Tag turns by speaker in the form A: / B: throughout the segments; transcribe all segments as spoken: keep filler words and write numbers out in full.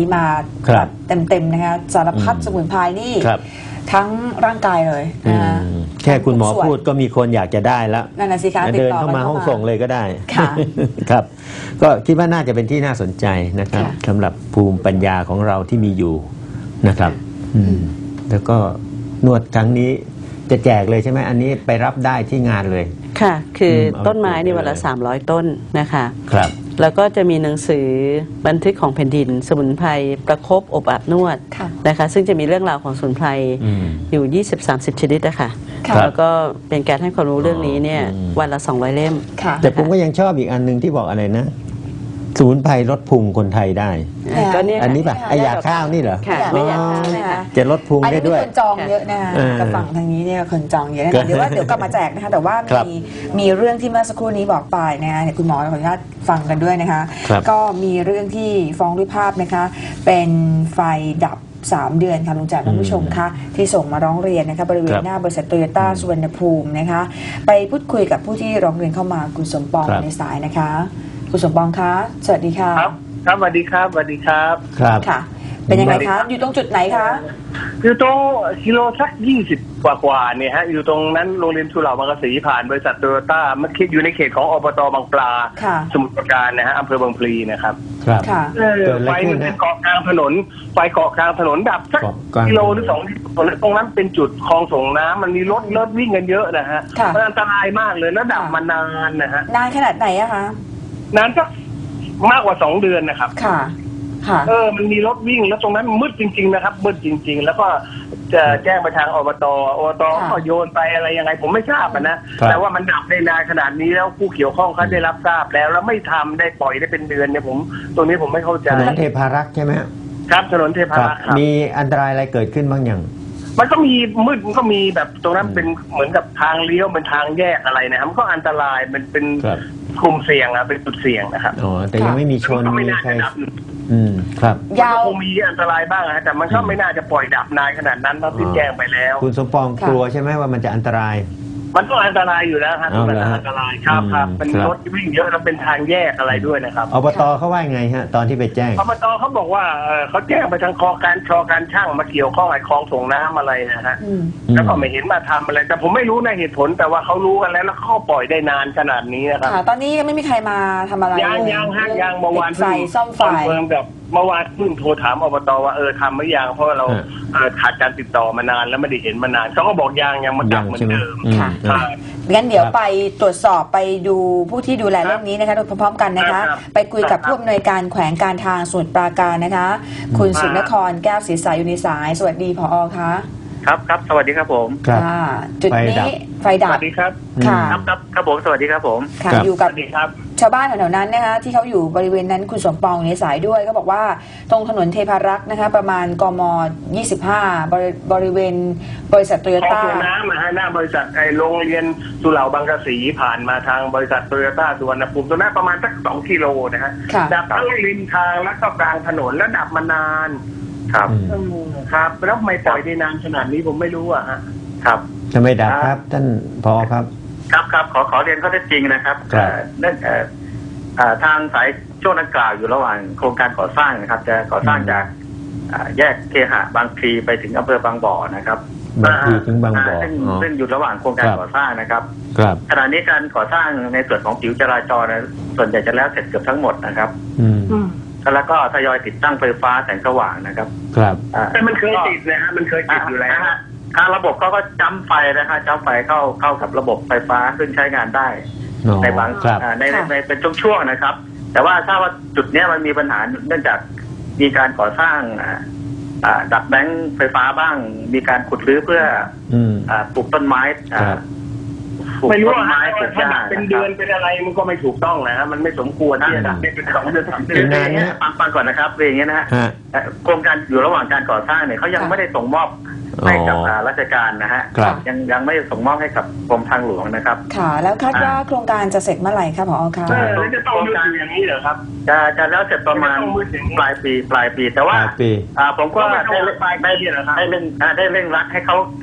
A: นี้มาเต็มๆนะคะสารพัดสมุนไพรนี่ทั้งร่างกายเลยนะ
B: แค่คุณหมอพูดก็มีคนอยากจะได้แล้ว
A: นั่นน่ะสิคะ
B: เดินเข้ามาห้องส่งเลยก็ได้ครับก็คิดว่าน่าจะเป็นที่น่าสนใจนะครับสำหรับภูมิปัญญาของเราที่มีอยู่นะครับแล้วก็นวดครั้งนี้จะแจกเลยใช่ไหมอันนี้ไปรับได้ที่งานเลย
C: ค่ะคือต้นไม้ในวันละสามร้อยต้นนะคะ
B: ครับ
C: แล้วก็จะมีหนังสือบันทึกของแผ่นดินสมุนไพรประคบอบอาบนวดนะคะซึ่งจะมีเรื่องราวของสมุนไพรอยู่ ยี่สิบถึงสามสิบ ชนิดนะคะแล้วก็เป็นการให้ความรู้เรื่องนี้เนี่ยวันละสองร้อยเล่ม
B: แต่ผมก็ยังชอบอีกอันนึงที่บอกอะไรนะสมุนไพรลดพุงคนไทยได้อันนี้ป่ะไอยาข้าวนี่เหรอ
C: ไม่ยาข้าวนะคะ
B: จะลดพุงได้ด้วย
A: อันนี้คนจองเยอะนะคะกับฝั่งทางนี้เนี่ยคนจองเยอะนะเดี๋ยวว่าเดี๋ยวกลับมาแจกนะคะแต่ว่ามีมีเรื่องที่เมื่อสักครู่นี้บอกไปนะคะคุณหมอขออนุญาตฟังกันด้วยนะคะก็มีเรื่องที่ฟ้องด้วยภาพนะคะเป็นไฟดับสามเดือนค่ะลุงแจ๋ท่านผู้ชมคะที่ส่งมาร้องเรียนนะคะบริเวณหน้าบริษัทโตโยต้าสุวรรณภูมินะคะไปพูดคุยกับผู้ที่ร้องเรียนเข้ามาคุณสมปองในสายนะคะคุณสมปองคะสวัสดีค่ะ
D: ครับครับสวัสดีครับสวัสดีครับ
B: ครับ
A: ค่ะเป็นยังไงคะอยู่ตรงจุดไหนคะ
D: อยู่ตรงกิโลสักยี่สิบกว่ากว่าเนี่ยฮะอยู่ตรงนั้นโรงเรียนสุเหร่าบางกะสีผ่านบริษัทโตโยต้ามันคิดอยู่ในเขตของอบตบางปลาสมุทรปราการนะฮะอำเภอบางพลีนะครับ
B: ครับ
D: ไฟมันเป็นเกาะกลางถนนไฟเกาะกลางถนนดับสักกิโลหรือสองตรงนั้นเป็นจุดคลองส่งน้ำมันมีรถรถวิ่งกันเยอะนะฮะมันอันตรายมากเลยแล้วดับมานานนะฮะ
A: นานขนาดไหนอะคะ
D: นานสักมากกว่าสองเดือนนะครับ
A: ค่ะค่ะ
D: เออมันมีรถวิ่งแล้วตรงนั้นมืดจริงๆนะครับมืดจริงๆแล้วก็จะแจ้งไปทางอบตอบตก็โยนไปอะไรยังไงผมไม่ทราบนะแต่ว่ามันดับได้นานขนาดนี้แล้วผู้เกี่ยวข้องเขาได้รับทราบแล้วแล้วไม่ทำได้ปล่อยได้เป็นเดือนเนี่ยผมตรงนี้ผมไม่เข้าใจ
B: ถนนเทพารักษ์ใช่ไหม
D: ครับถนนเทพารักษ์
B: มีอันตรายอะไรเกิดขึ้นบ้างอย่าง
D: มันก็มีมืดมันก็มีแบบตรงนั้นเป็นเหมือนกับทางเลี้ยวเป็นทางแยกอะไรนะครับมันก็อันตรายมันเป็นกลุ่มเสี่ยงอะเป็นจุดเสี่ยงนะครับ
B: อ๋อแต่ยังไม่มีชน
D: ไม่น่าจะดับ
B: อืมครับ
D: ยาวคงมีอันตรายบ้างนะแต่มันก็ไม่น่าจะปล่อยดับนานขนาดนั้นเพราะที่แจ้งไปแล้ว
B: คุณสมปองกลัวใช่ไหมว่ามันจะอันตราย
D: มันก็อันตรายอยู่แล้วครับมันอันตรายครับครับเป็นรถวิ่งเยอะแล้วเป็นทางแยกอะไรด้วยนะครับ
B: อบตเขาว่าไงฮะตอนที่ไปแจ้ง
D: อบตเขาบอกว่าเขาแจ้งไปทางคอการชอการช่างมาเกี่ยวข้องไอ้คลองส่งน้ำอะไรนะฮะแล้วก็ไม่เห็นมาทำอะไรแต่ผมไม่รู้ในเหตุผลแต่ว่าเขารู้กันแล้วแล้วเขาปล่อยได้นานขนาดนี้นะครับ
A: ตอนนี้ยังไม่มีใครมาทำอะไร
D: ยังยังฮะยังเมื่อวาน
A: ไฟซ่อมไฟ
D: เพิ่มกับเมื่อวานเพิ่งโทรถามอบตว่าเออทำหรือยังเพราะเราขาดการติดต่อมานานแล้วไม่ได้เห็นมานานเขาก็บอกยังยังมันดับเหมือนเดิม
A: ค่ะงั้นเดี๋ยวไปตรวจสอบไปดูผู้ที่ดูแลเรื่องนี้นะคะโดยพร้อมๆกันนะคะไปคุยกับผู้อำนวยการแขวงการทางสมุทรปราการนะคะคุณสุนทรแก้วศรีสายอยู่ในสายสวัสดีผอ.คะ
D: ครับครับสวัสดีครับผม
A: ค่ะจุดนี้ไฟดับ
D: สวัสดีครับ
A: ค่ะ
D: ครับครับผมสวัสดีครับผม
A: ค่ะอยู่กับชาวบ้านแถวๆนั้นนะคะที่เขาอยู่บริเวณนั้นคุณสมปองในสายด้วยก็บอกว่าตรงถนนเทพารักษ์นะคะประมาณกมยี่สิบห้าบริบริเวณบริษัทโตโยต้า
D: น้ำนะฮะหน้าบริษัทไอ้โรงเรียนสุเหร่าบางกะสีผ่านมาทางบริษัทโตโยต้าสุวรรณภูมิตรงนั้นประมาณสักสองกิโลนะฮะดับทั้งริมทางและก็กลางถนนและดับมานานครับครับแล้วไม่ปล่อยได้นานขนาดนี้ผมไม่รู้อ่ะฮะครับ
B: จะไม่ดับครับท่านผอ.ครับ
D: ครับครับขอขอเรียนข้อเท็จจริงนะครับเรื่องทางสายช่วงดังกล่าวอยู่ระหว่างโครงการก่อสร้างนะครับจะก่อสร้างจากแยกเคหะบางพลีไปถึงอำเภอบางบ่อนะครับ
B: บางพลีถึงบางบ่อ
D: ซึ่งอยู่ระหว่างโครงการก่อสร้างนะครับขณะนี้การก่อสร้างในส่วนของผิวจราจรส่วนใหญ่จะแล้วเสร็จเกือบทั้งหมดนะครับแล้วก็ทยอยติดตั้งไฟฟ้าแสงสว่างนะครับ
B: ครับ
D: แต่มันเคยติดนะฮะมันเคยติดอยู่แล้วทางระบบเขาก็จ้ำไฟนะครับจ้ำไฟเข้าเข้ากับระบบไฟฟ้าซึ่งใช้งานได้ในบางในในเป็นช่วงๆนะครับแต่ว่าถ้าว่าจุดนี้มันมีปัญหาเนื่องจากมีการก่อสร้างดัดแบงค์ไฟฟ้าบ้างมีการขุดรื้อเพื่อปลูกต้นไม้ไม่รู้ว่าถ้าดับเป็นเดือนเป็นอะไรมันก็ไม่ถูกต้องนะฮะมันไม่สมควรที่จะดับเป็นสองเดือนสามเดือนนี่ฟังฟังก่อนนะครับเรื่องนี้นะฮะโครงการอยู่ระหว่างการก่อสร้างเนี่ยเขายังไม่ได้ส่งมอบให้กับราชการนะฮะยังยังไม่ส่งมอบให้กับกรมทางหลวงนะครับ
A: ค่ะแล้วคาดว่าโครงการจะเสร็จเมื่อไหร่ครับผอ.คะ
D: จะต้องโครงการอย่างนี้เหรอครับจะจะแล้วเสร็จประมาณปลายปีปลายปีแต่ว่าผมก็ได้ได้ได้เร่งได้เร่งรัดให้เขา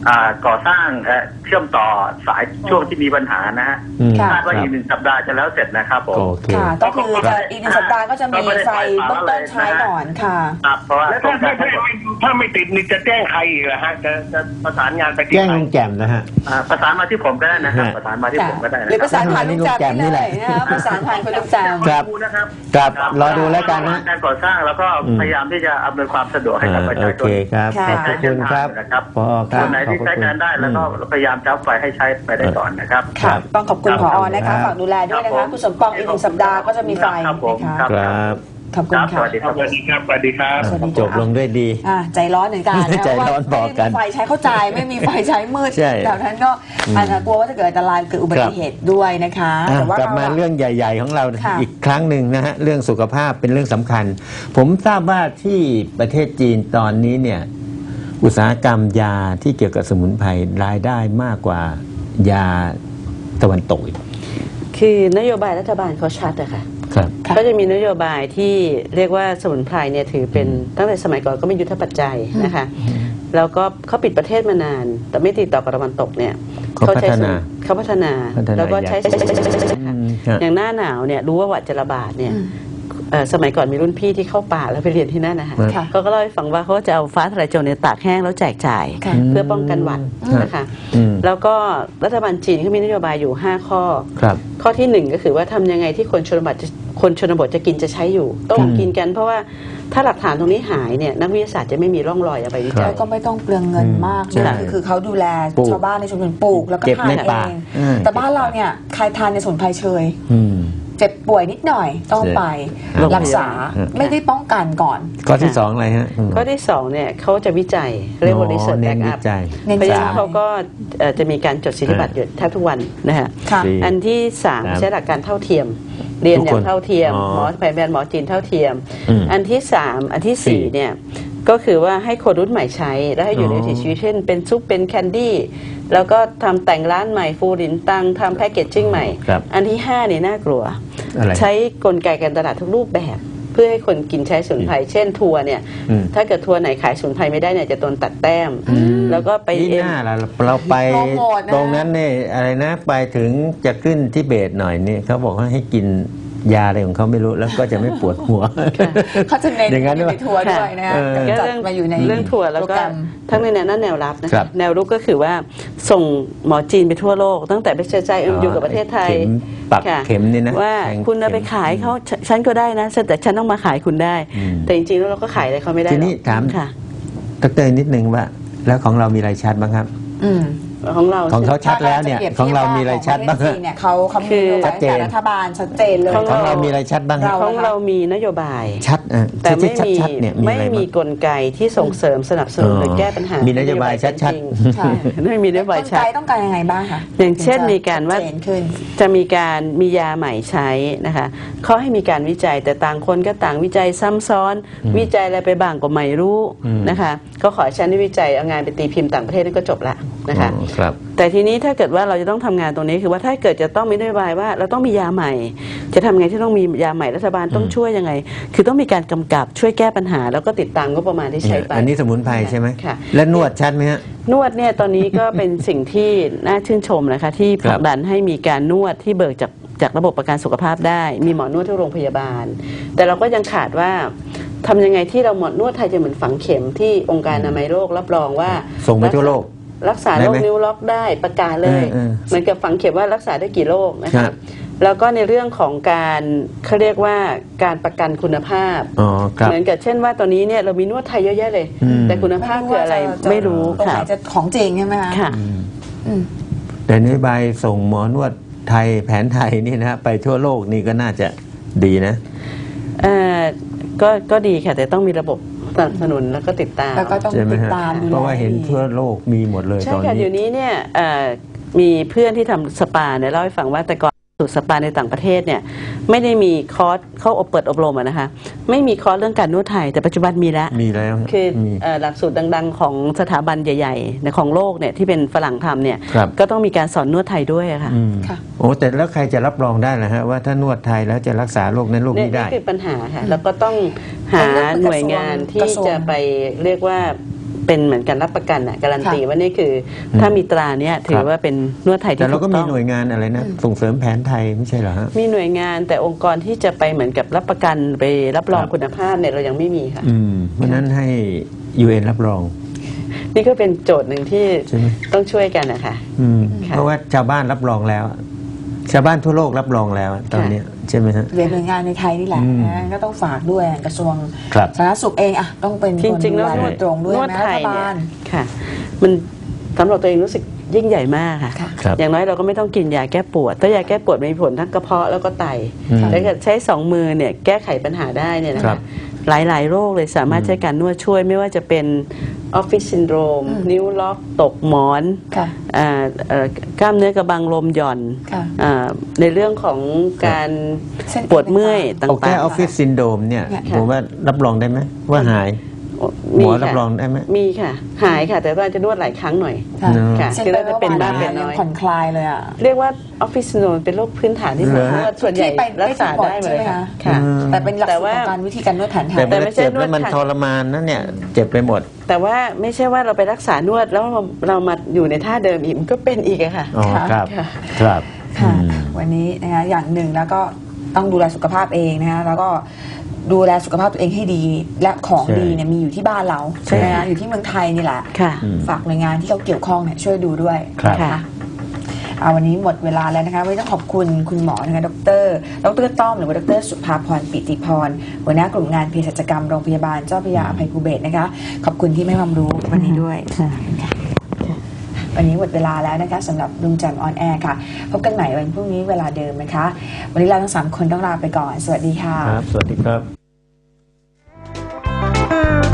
D: อ่าก่อสร้างเอ่อเชื่อมต่อสายช่วงที่มีปัญหานะฮะ
B: อืม
A: ค่ะ
D: คาดว่าอีกหนึ่งสัปดาห์จะแล้วเสร็จนะครับผม
B: โอเค
A: ค่ะก็คือจะอีกหนึ่งสัปดาห์ก็จะมีไฟเบื้องต้นใช้ก่อนค่ะ
D: ครับเพราะว่า
E: แล้วถ้าถ้าถ้าถ้าไม่ติดนี่จะแจ้งใครอีกเหรอฮะจะจะประสานงานไปที่
B: แจ้ง
E: ใคร
B: ลุงแจ่มนะฮะ
D: อ่าประสานมาที่ผมก็ได้นะครับ
B: ฮะ
D: ประสานมาที่ผมก็ได้นะ
A: หรือประสานผ่าน
B: นี่
A: ลูก
B: ลูก
A: แจ
B: แจ่
A: ม
B: มนี่
A: นี่
B: แห
A: เล
B: ละ
A: ยนะคะประสานผ่านคุณลูกแจม
B: ครับ
D: ดูนะครับ
B: ครับรอดูแล้วกันนะ
D: การก่อสร้างแล้วก็พยายามที่จะอำนวยความสะดวกให้กับประ
B: โอ
D: ชาช
B: เคน ครับ
A: ค่ะ
B: ขอบพระคุณครับ
D: นะครับ
B: พอค
D: ครับ นไหน
B: ขอบ
D: ที่
B: พระ
D: ใช้
B: คุณ
D: งานได้แล้วก็
B: อืม
D: พยายามจับไฟให้ใช้ไปได้ก่อนนะครับ
A: ค่ะต้องขอบคุณ
D: ครับ
A: ผอนะคะ
B: ครับ
A: ฝากดูแลด้วยนะคะคุณสมปองอีกหนึ่งสัปดาห์ก็จะมีไฟ
D: ครับผม
A: นะคะ
D: ครับ
B: ครับ
A: ขอบคุณ
D: ครับส
A: ค่ะ
D: วัสดีครับ
E: สวัสดีครับสวัสดีครับ
A: สวัสดี
B: จบลงด้วยดี
A: อ่าใจร้อนเหมือนกันนะ
B: ใจร้อน
A: ว่า
B: บอกกัน
A: ไม่มีไฟใช้เข้าใจไม่มีไฟใช้มืด
B: ใช่
A: แบบนั้นก็อาจจะกลัวว่าจะเกิดอันตรายเกิดอุบัติเหตุด้วยนะคะ
B: อ่ะ
A: แต่ว่าก
B: ลับมาเรื่องใหญ่ ๆ ของเรา
A: ค่ะ
B: อีกครั้งหนึ่งนะฮะเรื่องสุขภาพเป็นเรื่องสำคัญ ผมทราบว่าที่ประเทศจีนตอนนี้เนี่ยอุตสาหกรรมยาที่เกี่ยวกับสมุนไพรรายได้มากกว่ายาตะวันตกอีก
C: คือนโยบายรัฐบาลเขาชัดอะค่ะ
B: ครับ
A: ค่ะ
C: ก็จะมีนโยบายที่เรียกว่าสมุนไพรเนี่ยถือเป็นตั้งแต่สมัยก่อนก็เป็นยุทธปัจจัยนะคะแล้วก็เขาปิดประเทศมานาน แต่ไม่ติดต่อกับตะวันตกเนี่ย
B: เขาพัฒนา
C: เขาพัฒนา
B: พัฒนา
C: แล้วก็ใช้
B: อืมครับ
C: อย่างหน้าหนาวเนี่ยรู้ว่าหวัดจะระบาดเนี่ยเอ่อสมัยก่อนมีรุ่นพี่ที่เข้าป่าแล้วไปเรียนที่นั่นนะคะ
A: ค่ะ
C: เขาก็เล่าให้ฟังว่าเขาจะเอาฟ้าทะลายโจรเนี่ยตากแห้งแล้วแจกจ่าย
A: ค่ะ
C: เพื่อป้องกันหวัดนะคะ
B: อืม
C: แล้วก็รัฐบาลจีนเขามีนโยบายอยู่ห้าข้อ
B: ครับ
C: ข้อที่หนึ่งก็คือว่าทำยังไงที่คนชนบทจะคนชนบทจะกินจะใช้อยู่ ต้องกินกันเพราะว่าถ้าหลักฐานตรงนี้หายเนี่ยนักวิทยาศาสตร์จะไม่มีร่องรอยเอาไปวิจั
A: แล้
C: ย
A: วก็ไม่ต้องเปลืองเงินมาก
B: ใช่
A: นะคือคือเขาดูแล
B: ปลูก
A: ชาวบ้านในชุมชนปลูกแล้วก็
B: เก็บ
A: ทาน
B: ใน
A: เอ
B: ป่าง อืม
A: แต่บ้านเราเนี่ยใครทานในสมุนไพรเชย
B: อืม
A: เจ็บป่วยนิดหน่อยต้องไป
C: โรงพยาบาล
A: รักษาไม่ได้ป้องกันก่อน
B: ข้อที่สองอะไรฮะคุณหมอ
C: ข้อที่สองเนี่ยเขาจะวิจัยเรียกว่า research
B: เน้น
C: back
B: วิ
C: up
B: จัย
A: เน้น
C: เพราะฉะ
A: วิจั
C: นั้
A: ย
C: นเขาก็เอ่อจะมีการจดสิทธิบัตรอยู่แทบทุกวันนะฮะ
A: ค่ะ
B: ดี
C: อันที่สาม
B: ครับ
C: ใช้หลักการเท่าเทียม เรียนอย่า
B: ทุก
C: ง
B: คน
C: เท่าเทียม
B: อ๋อ
C: หมอแผนแผนหมอจีนเท่าเทียม
B: อืม
C: อันที่สามอันที่สี่
B: สี่
C: เนี่ยก็คือว่าให้คนรุ่นใหม่ใช้แล้วให้อยู่ใน
B: อ๋อ
C: วิถีชีวิตเช่นเป็นซุปเป็นแคนดี้แล้วก็ทำแต่งร้านใหม่ฟูรินตังทำแพคเกจจิ้งใหม่
B: ครับ
C: อันที่ห้าเนี่ยน่ากลัว
B: อะไร
C: ใช้กลไกการตลาดทุกรูปแบบ เพื่อให้คนกินใช้สมุนไพรเช่นทัวร์เนี่ย
B: อืม
C: ถ้าเกิดทัวร์ไหนขายสมุนไพรไม่ได้เนี่ยจะโดนตัดแต้ม แล้วก็ไป
B: นี่
C: เอ็
B: ห
C: ม
B: น้าเราเราไป
A: โปรโมทนะ
B: ตรงนั้นเนี่ยอะไรนะไปถึงจะขึ้นทิเบตหน่อยนี่เขาบอกว่าให้กินยาอะไรของเขาไม่รู้แล้วก็จะไม่ปวดหัว
A: เขาจะเน้น
B: อย่างนั้น
A: อยู่
B: ด้วย
A: ในทัวร์ด้วยนะคะ
B: เออ
C: ก็
A: จัด
C: เรื่อง
A: มาอยู่ใน
C: เรื่องทัวร์แล้ว
A: โปร
C: ก็
A: แกรม
C: ทั้งในแนวหน้าแนวรับนะ
B: ครั
C: คะ
B: บ
C: แนวรุกก็คือว่าส่งหมอจีนไปทั่วโลก ตั้งแต่ไปเชื้อใจเอ็มอยู่กับประเทศไทย
B: เข็มปัก
C: ค่ะ
B: เข็มนี่นะ
C: ว่า
B: แทง
C: คุณเอาไป
B: เข็ม
C: ขายเขาฉฉันก็ได้นะแต่ฉันต้องมาขายคุณได้
B: อืม
C: แต่จริงๆแล้วเราก็ขายอะไรเขาไม่ได้หร
B: ที
C: อก
B: นี้ถาม
C: ค่ะ
B: ดรนิดนึงว่า แล้วของเรามีอะไรชัดบ้างครับ
A: อืม
C: ของเรา
B: ของเขาชัดแล้วเนี่ยของเรามีอะไรชัดบ้าง
A: ของประเทศจีนเนี่ยเขาเขามีนโยบาย
B: ชัดเจน
A: จากรัฐบาลชัดเจนเลย
C: ของ
B: ของเรามีอะไรชัดบ้างครับ
A: เรา
C: ของเรามีนโยบาย
B: ชัดอ่ะ
C: แต่ไม่
B: ชัด
C: มี
B: ชัดๆเนี่ยมี
C: ไม่
B: อะไร
C: มี
B: บ้าง
C: กลไกที่ส่งเสริมสนับสนุนหรือแก้ปัญหา
B: มีนโยบายชัดๆ
C: จริงๆ
A: ค่ะ
C: ไม่มีนโยบาย
A: กล
C: ชั
A: ไก
C: ด
A: ต้องการยังไงบ้างคะ
C: อย่างเช่นมีการว่า
A: ชัดเจนขึ้น
C: จะมีการมียาใหม่ใช้นะคะเขาให้มีการวิจัยแต่ต่างคนก็ต่างวิจัยซ้ำซ้อน วิจัยอะไรไปบ้างก็ไม่รู้
B: อืม
C: นะคะก็ขอให้ฉันได้วิจัยเอางานไปตีพิมพ์ต่างประเทศนั่นก็จบละนะคะ
B: อ๋อครับ
C: แต่ทีนี้ถ้าเกิดว่าเราจะต้องทำงานตรงนี้คือว่าถ้าเกิดจะต้องมีนโยบายว่าเราต้องมียาใหม่ จะทำไงที่ต้องมียาใหม่รัฐบาลต้องช่วยยังไง คือต้องมีการกำกับช่วยแก้ปัญหา แล้วก็ติดตามงบประมาณที่ใช้ไป
B: อันนี้สมุนไพรใช่ไหม
C: ค่ะ
B: และนวดชัดไหมฮะ
C: นวดเนี่ยตอนนี้ก็เป็นสิ่งที่น่าชื่นชมนะคะที่ผลักดันให้มีการนวดที่เบิกจากจากระบบประกันสุขภาพได้ มีหมอนวดที่โรงพยาบาล แต่เราก็ยังขาดว่าทำยังไงที่เราหมอนวดไทยจะเหมือนฝังเข็มที่องค์การอนามัยโลกรับรองว่า
B: ส่งไปทั่วโลก
C: รักษา
B: ได้
C: โร
B: ไหม
C: คนิ้วล็อกได้ประกาศเลย
B: เออเออ
C: เหมือนกับฝังเข็มว่ารักษาได้กี่โรคนะ
B: ครั
C: คะ
B: บ
C: แล้วก็ในเรื่องของการเขาเรียกว่าการประกันคุณภาพ
B: อ๋อครับ
C: เหมือนกับเช่นว่าตอนนี้เนี่ยเรามีนวดไทยเยอะแยะเลย
B: อืม
C: แต่คุณภาพคืออะไรไม่รู้
A: ตรง
C: ค่ะ
A: ไหนจะของจริงใช่ไหมคะ
C: ค่ะ
A: อืม
B: แต่นโยบายส่งหมอนวดไทยแผนไทยนี่นะฮะไปทั่วโลกนี่ก็น่าจะดีนะ
C: เอ่อก็ก็ดีค่ะ แต่ต้องมีระบบสนับสนุนแล้วก็ติดตาม
A: แล้วก็ต้อง
B: ใช่ไหม
A: ติด
B: ฮะ
A: ตามดูแล
B: เพราะว่าเห็นทั่วโลกมีหมดเลย
C: ใช่
B: ตอน
C: ค่ะ
B: นี้
C: เดี๋ยวนี้เนี่ยเอ่อมีเพื่อนที่ทำสปาเนี่ยเล่าให้ฟังว่าแต่ก่อนสูตรสปาในต่างประเทศเนี่ยไม่ได้มีคอร์สเข้าอบเปิดอบรมอะนะคะไม่มีคอร์สเรื่องการนวดไทยแต่ปัจจุบันมีแล้ว
B: มีแล้ว
C: คือ
B: มี
C: เอ่อหลักสูตรดังๆ ของสถาบันใหญ่ๆในของโลกเนี่ยที่เป็นฝรั่งทำเนี่ย
B: ครับ
C: ก็ต้องมีการสอนนวดไทยด้วยอะค่ะ
B: อืม
A: ค่ะ
B: โอ้แต่แล้วใครจะรับรองได้ล่ะฮะว่าถ้านวดไทยแล้วจะรักษาโรคนั้นโรค
C: เนี่ย
B: นี้ได้
C: นี่คือปัญหาค่ะแล้วก็ต้องหาหน่วยงานที่จะไปเรียกว่าเป็นเหมือนกันรับประกันอ่ะการันตีว่านี่คือถ้ามีตราเนี้ยถือว่าเป็นนวดไทยที่
B: แต่เรา
C: ถูก
B: ก็
C: ต้
B: มี
C: อง
B: หน่วยงานอะไรนะส่งเสริมแผนไทยไม่ใช่เหรอฮะ
C: มีหน่วยงานแต่องค์กรที่จะไปเหมือนกับรับประกันไปรับรอง
B: ครับ
C: คุณภาพเนี่ยเรายังไม่มีค่ะ
B: อืมเพราะฉะนั้นให้ ยู เอ็น รับรอง
C: นี่ก็เป็นโจทย์หนึ่งที่
B: ใช่ไหม
C: ต้องช่วยกันนะคะ
B: อืม
C: ค่ะ
B: เพราะว่าชาวบ้านรับรองแล้ว ชาวบ้านทั่วโลกรับรองแล้วตอนเนี้ยใช่ไหมฮะ
A: เรียนหน่วยงานในไทยนี่แหละ
B: อืม
A: นะก็ต้องฝากด้วยกระทรวง
B: ครับ
A: สาธารณสุขเองอะต้องเป็น
C: จ
A: คน
C: ริงๆ
A: ดู
C: แล้ว
A: แล
C: น
A: โด
C: วด
A: ยตรงด้วย
C: นวด
A: นะ
C: ไท
A: รั
C: ย
A: ฐ
C: เนี่ย
A: บาล
C: ค่ะ มันสำหรับตัวเองรู้สึกยิ่งใหญ่มากค่ะ
A: ค่ะ
B: ครับ
C: อย่างน้อยเราก็ไม่ต้องกินยาแก้ปวดถ้ายาแก้ปวดมีผลทั้งกระเพาะแล้วก็ไต
B: อืม
C: ถ้าเกิดใช้สองมือเนี่ยแก้ไขปัญหาได้เนี่ยนะ
B: ครั
C: คะ
B: บ
C: หลายๆ โรคเลยสามารถใช้การนวดช่วยไม่ว่าจะเป็นออฟฟิศซินโดรม
A: อืม
C: นิ้วล็อกตกหมอน
A: ค่ะ
C: อ่าเอ่อกล้ามเนื้อกระบังลมหย่อน
A: ค่ะ
C: อ่าในเรื่องของการ
A: เส้น
C: ปวดเมื่อยต
B: เอาแก้
C: ่าง
B: ออฟฟิศซินโดรมเนี่ย
A: ค่ะ
B: ผมว่ารับรองได้ไหมว่าหาย
C: ๆ
B: หมอ
C: ค่ะ
B: รับรองได้ไหม
C: มีค่ะ หายค่ะ แต่ว่าจะนวดหลายครั้งหน่อย
A: ค่ะ
B: เนอะ
C: ค่ะ
A: เช่น
C: คือ
A: ไป
C: เราจะเป็น
A: เมื่อวาน
C: บ้างเป็นน้
A: ยั
C: อย
A: งผ่อนคลายเลยอะ
C: เรียกว่าออฟฟิศซินโดรมเป็นโรคพื้นฐานที่หมอ
B: เหรอฮะ
C: นวดส่วนใหญ่
A: ที่ไป
C: รักษาได้หมดเลย
A: ใช่ไหม
C: ค่ะ
A: คะ
C: ค่ะ
B: อืม
A: แต่เป็นหลัก
C: แต่
A: สูตร
C: ว่า
A: ของการวิธีการนวดแผนไทย
B: แต่
C: แต่
B: เว
C: ไม่
B: ลา
C: ใช่
B: เจ็บแล้วมัน
C: นวด
B: ทรมานนะเนี่ยเจ็บไปหมด
C: แต่ว่าไม่ใช่ว่าเราไปรักษานวดแล้วเราเรามาอยู่ในท่าเดิมอีกมันก็เป็นอีกอะค่ะ
B: อ๋อ
A: ค่ะ
B: ครับครับ
A: ค่ะ
B: อืม
A: วันนี้นะคะอย่างหนึ่งแล้วก็ต้องดูแลสุขภาพเองนะคะแล้วก็ดูแลสุขภาพตัวเองให้ดี และของ
B: ใช่
A: ดีเนี่ยมีอยู่ที่บ้านเราใช่ไหมคะอยู่ที่เมืองไทยนี่แหละ
C: ค่ะ
B: อืม
A: ฝากหน่วยงานที่เขาเกี่ยวข้องเนี่ยช่วยดูด้วย
B: ครับ
A: นะ
C: ค่ะ
A: คะเอาวันนี้หมดเวลาแล้วนะคะวันนี้ต้องขอบคุณคุณหมอนะคะดรดรต้อมหรือว่าดรสุภาพรปิติพรหัวหน้ากลุ่มงานเภสัชกรรมโรงพยาบาลเจ้าพระยาอภัยภูเบศรนะคะขอบคุณที่ให้ความรู้วันนี้ด้วยค่ะวันนี้หมดเวลาแล้วนะคะสำหรับลุงแจ่มออนแอร์ค่ะ พบกันใหม่วันพรุ่งนี้เวลาเดิมนะคะ วันนี้เราทั้งสามคนต้องลาไปก่อน สวัสดีค่ะ
B: ครับ สวัสดีครับ